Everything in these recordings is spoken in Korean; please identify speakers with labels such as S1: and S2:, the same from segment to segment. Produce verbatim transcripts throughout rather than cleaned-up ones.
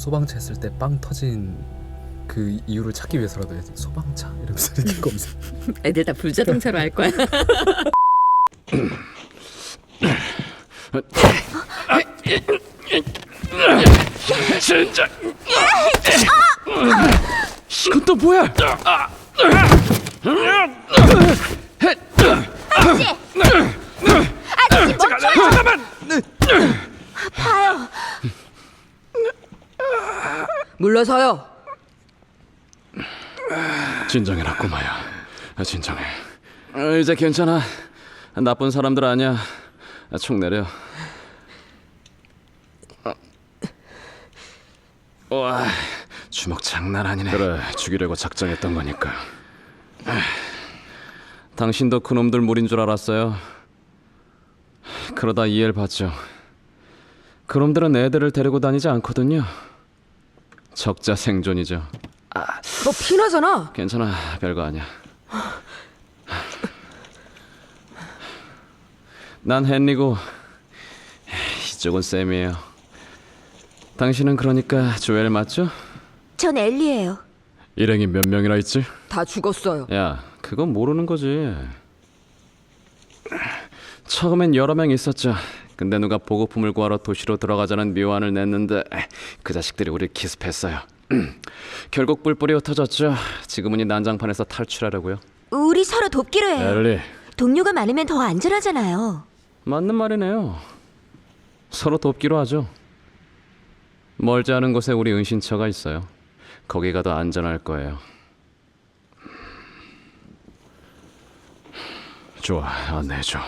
S1: 소방차 했을 때 빵 터진 그 이유를 찾기 위해서라도 해야지. 소방차 이러면서 이렇게 검색.
S2: 애들 다 불자동차로 할 거야.
S3: 진짜. 이건 또 뭐야?
S4: 아저씨! 아저씨 멈춰요!
S3: 잠깐만.
S4: 봐요.
S2: 물러서요.
S3: 진정해라 꼬마야. 진정해. 어, 이제 괜찮아. 나쁜 사람들 아니야. 총 내려. 어. 와, 주먹 장난 아니네. 그래, 죽이려고 작정했던 거니까. 당신도 그놈들 물인 줄 알았어요. 그러다 이해를 받죠. 그놈들은 애들을 데리고 다니지 않거든요. 적자 생존이죠.
S2: 너 피나잖아.
S3: 괜찮아, 별거 아니야. 난 헨리고 이쪽은 샘이에요. 당신은 그러니까 조엘 맞죠?
S4: 전 엘리예요.
S3: 일행이 몇 명이나 있지?
S2: 다 죽었어요.
S3: 야, 그건 모르는 거지. 처음엔 여러 명 있었죠. 근데 누가 보급품을 구하러 도시로 들어가자는 묘안을 냈는데 그 자식들이 우릴 기습했어요. 결국 뿔뿔이 흩어졌죠. 지금은 이 난장판에서 탈출하려고요.
S4: 우리 서로 돕기로 해요.
S3: 엘리,
S4: 동료가 많으면 더 안전하잖아요.
S3: 맞는 말이네요. 서로 돕기로 하죠. 멀지 않은 곳에 우리 은신처가 있어요. 거기가 더 안전할 거예요. 좋아, 안내해줘.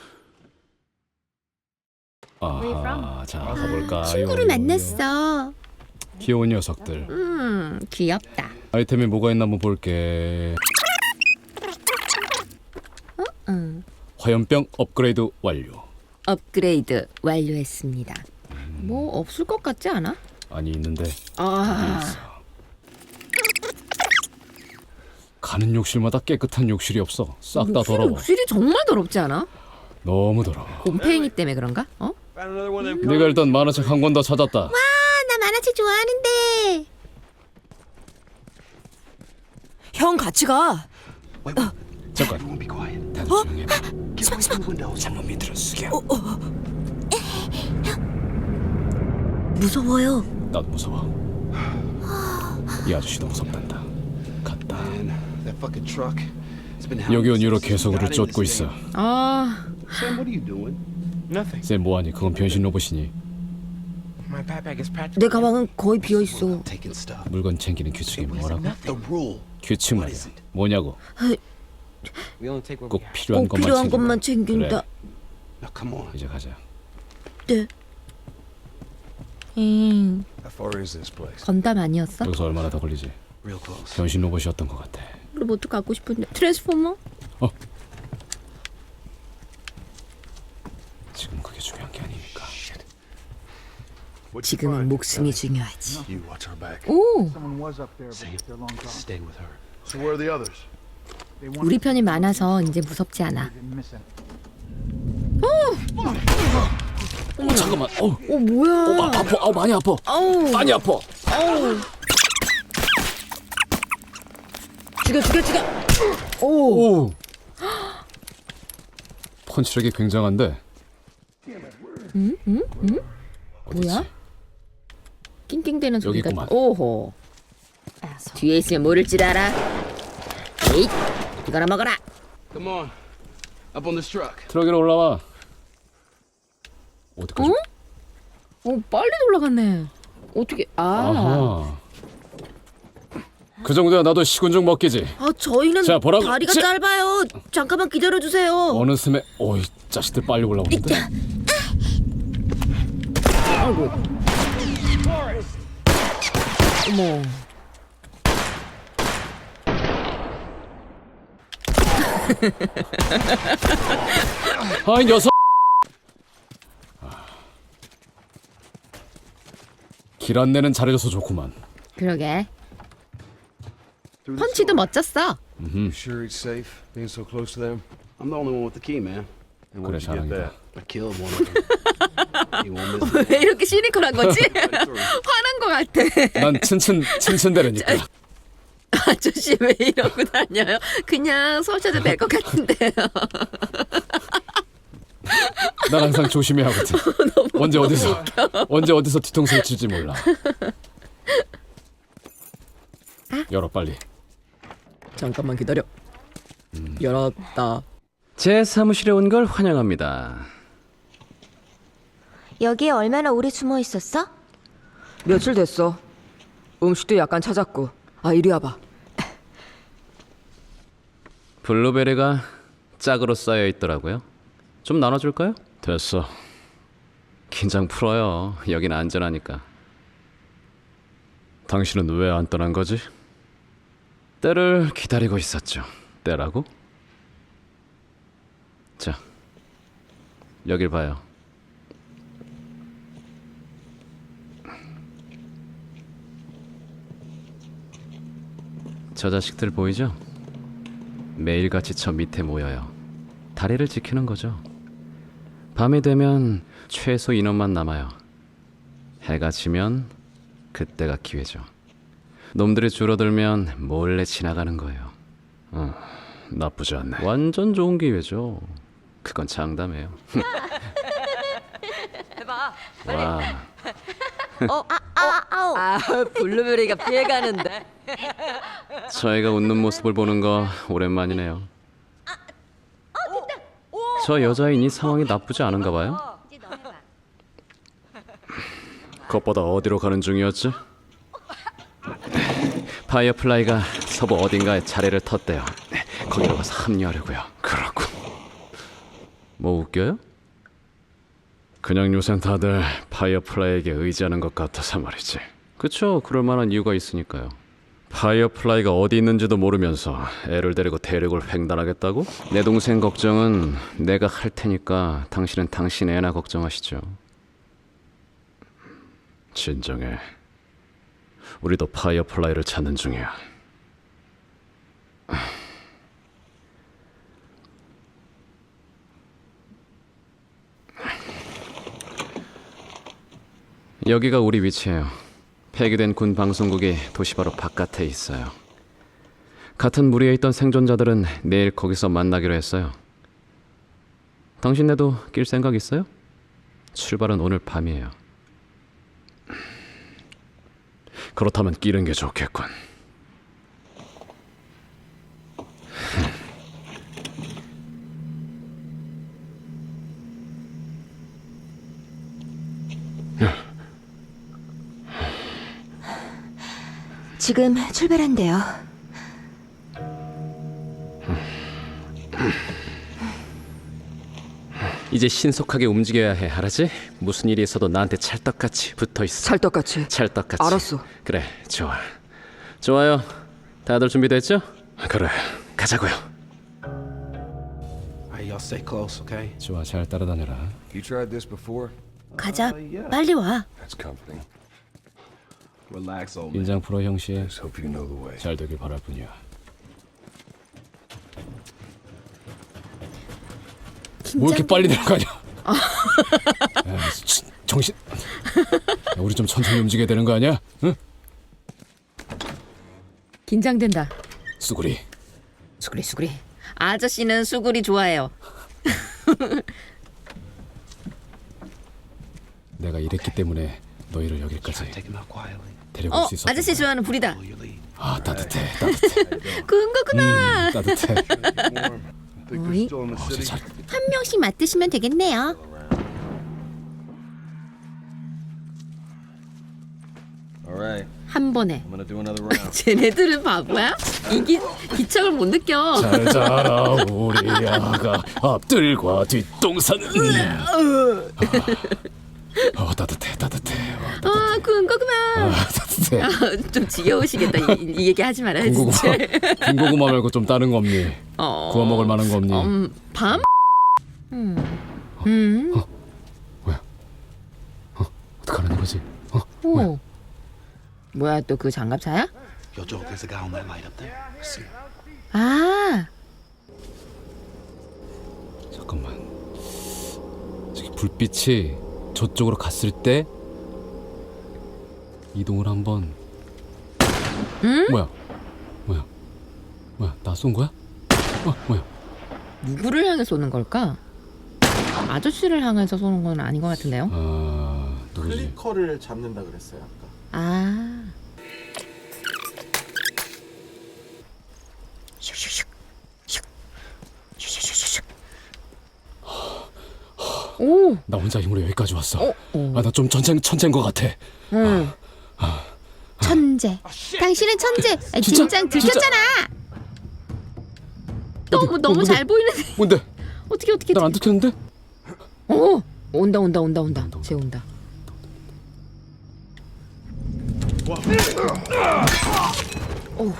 S5: 아하, 자 가볼까요?
S4: 친구를 만났어.
S5: 귀여운 녀석들.
S4: 음, 귀엽다.
S5: 아이템이 뭐가 있나 한번 볼게.
S4: 응.
S5: 화염병 업그레이드 완료.
S2: 업그레이드 완료했습니다. 뭐 없을 것 같지 않아?
S5: 아니 있는데
S2: 아,
S5: 가는 욕실마다 깨끗한 욕실이 없어. 싹 다
S2: 욕실이,
S5: 더러워.
S2: 욕실이 정말 더럽지 않아?
S5: 너무 더러워.
S2: 곰팡이 때문에 그런가? 어?
S5: 내가 일단 만화책 한 권 더 찾았다.
S4: 아, 나 만화책 좋아하는데.
S2: 형 같이 가.
S5: 잠깐. 다들 조용해. 창문 밑으로 숙여.
S4: 무서워요.
S5: 나도 무서워. 이 아저씨도 무섭단다. 갔다. 여기 온 이후로 계속 우리를 쫓고 있어.
S2: 아,
S6: Sam, what are you doing? Nothing.
S5: 쌤 뭐하니? 그건 변신 로봇이니.
S6: My backpack is practically
S2: 내 가방은 거의 비어 있어.
S6: taking stuff.
S5: 물건 챙기는 규칙이 뭐라고?
S6: The rule.
S5: 규칙 말이야. 뭐냐고?
S6: We only take what
S5: 꼭
S6: we have.
S5: 필요한
S2: 꼭
S5: 것만
S2: 필요한
S5: 챙기면.
S2: 것만 챙긴다.
S5: 그래,
S6: Now come on.
S5: 이제 가자.
S2: 네. 음,
S6: How far is this place?
S2: 건담 아니었어?
S5: 여기서 얼마나 더 걸리지?
S6: Real close.
S5: 변신 로봇이었던 것 같아.
S2: 로봇 갖고 싶은데 트랜스포머?
S5: 어? 지금 그게 중요한 게 아니니까.
S2: 지금은 목숨이 중요하지.
S6: You watch our back.
S2: 오,
S7: Someone was up there, but
S6: Same.
S7: they're long gone.
S6: Stay with her.
S7: So where are the others? They wanted
S2: 우리 편이 많아서 이제 무섭지 않아.
S7: to miss it.
S5: 어 잠깐만. 어,
S2: 어 뭐야?
S5: 어 아, 아파. 어 많이 아파.
S2: 어우,
S5: 많이 아파.
S2: 어우. 죽여 죽여 죽여. 오,
S5: 오. 펀치력이 굉장한데.
S2: 뭐야? 낑낑대는 소리가.
S5: 여기구만.
S2: 오호. 뒤에 있으면 모를 줄 알아. 에잇, 이거나 먹어라.
S6: Come on. Up on this truck.
S5: 트럭 위로 올라와. 어디까지?
S2: 어? 어 빨리 올라갔네. 어떻게? 아,
S5: 아하. 그 정도야 나도 식은 죽 먹기지.
S2: 아 저희는
S5: 자, 보라고.
S2: 다리가
S5: 자.
S2: 짧아요. 잠깐만 기다려 주세요.
S5: 어느 틈에 어이 자식들 빨리 올라오는데.
S2: 아이고. 어머.
S5: 아이 녀석. 길 안내는 잘해줘서 좋구만.
S2: 그러게. 펀치도 멋졌어.
S6: You sure it's safe being so close to them? I'm the only one with the key, man. And
S5: 그래
S6: where'd you get
S5: 자랑이다.
S6: that? I killed one of them. You won't miss it.
S2: 왜 이렇게 시니컬한 거지? 화난 거 같아.
S5: 난 츤츤 츤츤대라니까.
S2: 아저씨 왜 이러고 다녀요? 그냥 쏘셔도 될 것 같은데요.
S5: 난 항상 조심해야 하거든. 언제 어디서 언제 어디서 뒤통수를 칠지 몰라. 열어 빨리.
S2: 잠깐만 기다려. 열었다.
S3: 제 사무실에 온 걸 환영합니다.
S4: 여기에 얼마나 오래 숨어 있었어?
S2: 며칠 됐어. 음식도 약간 찾았고. 아 이리 와봐.
S3: 블루베리가 짝으로 쌓여 있더라고요. 좀 나눠줄까요?
S5: 됐어.
S3: 긴장 풀어요. 여긴 안전하니까.
S5: 당신은 왜 안 떠난 거지?
S3: 때를 기다리고 있었죠. 때라고? 자, 여길 봐요. 저 자식들 보이죠? 매일같이 저 밑에 모여요. 다리를 지키는 거죠. 밤이 되면 최소 인원만 남아요. 해가 지면 그때가 기회죠. 놈들이 줄어들면 몰래 지나가는 거예요.
S5: 어, 나쁘지 않네.
S3: 완전 좋은 기회죠. 그건 장담해요.
S2: 해봐.
S3: 와,
S4: 어, 아, 아, 아우.
S2: 아 블루베리가 피해가는데.
S3: 저희가 웃는 모습을 보는 거 오랜만이네요. 저 여자인 이 상황이 나쁘지 않은가 봐요.
S5: 그것보다 어디로 가는 중이었지?
S3: 파이어플라이가 서부 어딘가에 자리를 텄대요. 거기로 가서 합류하려고요.
S5: 그렇군.
S3: 뭐 웃겨요?
S5: 그냥 요샌 다들 파이어플라이에게 의지하는 것 같아서 말이지.
S3: 그쵸, 그럴 만한 이유가 있으니까요.
S5: 파이어플라이가 어디 있는지도 모르면서 애를 데리고 대륙을 횡단하겠다고?
S3: 내 동생 걱정은 내가 할 테니까 당신은 당신 애나 걱정하시죠.
S5: 진정해. 우리도 파이어플라이를 찾는 중이야.
S3: 여기가 우리 위치예요. 폐기된 군 방송국이 도시 바로 바깥에 있어요. 같은 무리에 있던 생존자들은 내일 거기서 만나기로 했어요. 당신네도 낄 생각 있어요? 출발은 오늘 밤이에요.
S5: 그렇다면 끼는 게 좋겠군.
S4: 지금 출발한대요.
S3: 이제 신속하게 움직여야 해, 알았지? 무슨 일이 있어도 나한테 찰떡같이 붙어있어.
S2: 찰떡같이.
S3: 찰떡같이.
S2: 알았어.
S3: 그래, 좋아. 좋아요. 다들 준비됐죠?
S5: 그래.
S3: 가자고요.
S6: Alright, y'all stay close, okay?
S5: 좋아, 잘 따라다녀라.
S6: You tried this before?
S4: 가자.
S6: Uh, yeah.
S4: 빨리 와.
S6: That's comforting. Relax, old man.
S5: 인장 풀어 형씨.
S6: Just hope you know the way.
S5: 잘 되길 바랄 뿐이야. 뭐 이렇게 빨리 들어가냐? 야, 치, 정신. 야, 우리 좀 천천히 움직여야 되는 거 아니야? 응?
S2: 긴장된다.
S5: 수구리.
S2: 수구리 수구리. 아저씨는 수구리 좋아해요.
S5: 내가 이랬기 때문에 너희를 여기까지
S6: Take him out quietly.
S5: 데려올
S2: 어
S5: 수 있었던
S2: 아저씨
S5: 거야.
S2: 좋아하는 불이다.
S6: Follow your lead.
S5: 아 따뜻해, 따뜻해.
S2: 그런 거구나.
S5: 음, 따뜻해.
S6: Warm. Think they're
S4: 어이?
S6: still in the
S5: 어제
S6: city?
S5: 잘.
S4: 한 명씩 맡으시면 되겠네요.
S6: Alright,
S2: 한 번에.
S6: I'm gonna do another round.
S2: 쟤네들은 바보야? 이기 기척을 못 느껴.
S5: 잘 자라 우리 아가 앞들과 뒷동산은. 어, 어 따뜻해, 따뜻해. 어,
S2: 아 그런 거구나.
S5: 아, 따뜻해.
S2: 아, 좀 지겨우시겠다. 이, 이 얘기 하지 말아요
S5: 군고구마,
S2: 진짜.
S5: 군고구마 말고 좀 다른 거 없니?
S2: 어.
S5: 구워 먹을 만한 거 없니?
S2: 음, 밤?
S5: 어떡하라는 거지? 어?
S2: 오. 뭐야 또 그 장갑차야?
S6: Yo, Joe, there's a guy on that light up there. See?
S4: 아,
S5: 잠깐만. 저기 불빛이 저쪽으로 갔을 때 이동을 한번.
S2: 응?
S5: 뭐야? 뭐야? 뭐야? 나 쏜 거야? 어, 뭐야?
S2: 누구를 향해 쏘는 걸까? 아저씨를 향해서 쏘는 건 아닌 것 같은데요?
S5: 아, 누구지?
S6: 클리커를 잡는다 그랬어요 아까.
S2: 아. 오.
S5: 나 혼자 힘으로 여기까지 왔어.
S2: 어. 어.
S5: 아, 나 좀 천재 천재인 것 같아.
S2: 응.
S4: 천재. 당신은 천재. 아,
S5: 진짜?
S4: 진짜 들켰잖아.
S2: 너무
S5: 어디,
S2: 너무
S5: 뭔데?
S2: 잘 보이는데.
S5: 뭔데?
S2: 어떻게 어떻게?
S5: 난 안 들켰는데?
S2: 어. 온다 온다 온다 온다. 쟤 온다. 오.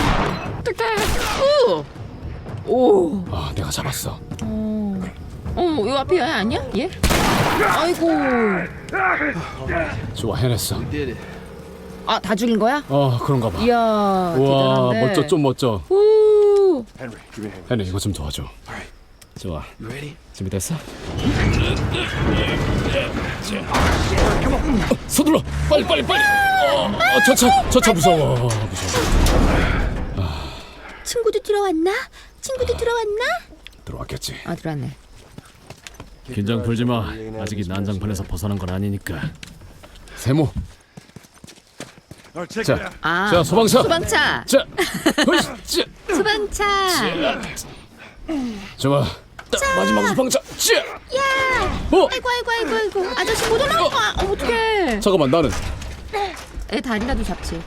S2: 어떡해. 오. 오.
S5: 아, 내가 잡았어.
S2: 어. 어, 요 앞에 얘 아니야? 얘? 아이고.
S5: 좋아, 해냈어.
S6: Did it.
S2: 아, 다 죽인 거야?
S5: 어, 그런가 봐.
S2: 이야,
S5: 우와,
S2: 대단한데.
S5: 멋져, 좀 멋져.
S2: 우.
S6: Henry, give me a hand.
S5: 해내, 이거 좀 도와줘.
S6: Alright.
S5: 좋아,
S6: You ready?
S5: 준비됐어? 어, 서둘러, 빨리, 빨리, 빨리. 어, 어, 저 차, 저 차 무서워, 무서워.
S4: 친구도 들어왔나? 친구도 들어왔나?
S5: 들어왔겠지.
S2: 아, 들어왔네.
S5: 긴장 풀지 마. 아직 이 난장판에서 벗어난 건 아니니까. 세모. 자,
S2: 아,
S5: 자, 소방차.
S2: 소방차.
S5: 자, 으쌰,
S2: 소방차.
S5: 좋아. 딱 마지막 소방차. 자,
S4: 야.
S5: 어,
S4: 아이고 아이고 아이고 아이고. 아저씨 못 올라가.
S2: 아, 어떡해.
S5: 잠깐만, 나는.
S2: 애 다리라도 잡지.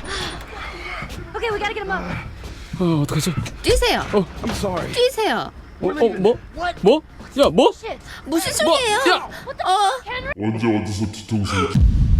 S5: 어, 어떡하지?
S2: 뛰세요.
S5: 어,
S6: I'm sorry.
S2: 뛰세요.
S5: 어, 어, 뭐? 뭐? 야, 뭐?
S2: 무슨
S5: 뭐?
S2: 소리예요?
S5: 야,
S2: 어.
S8: 언제 어디서 뒤통수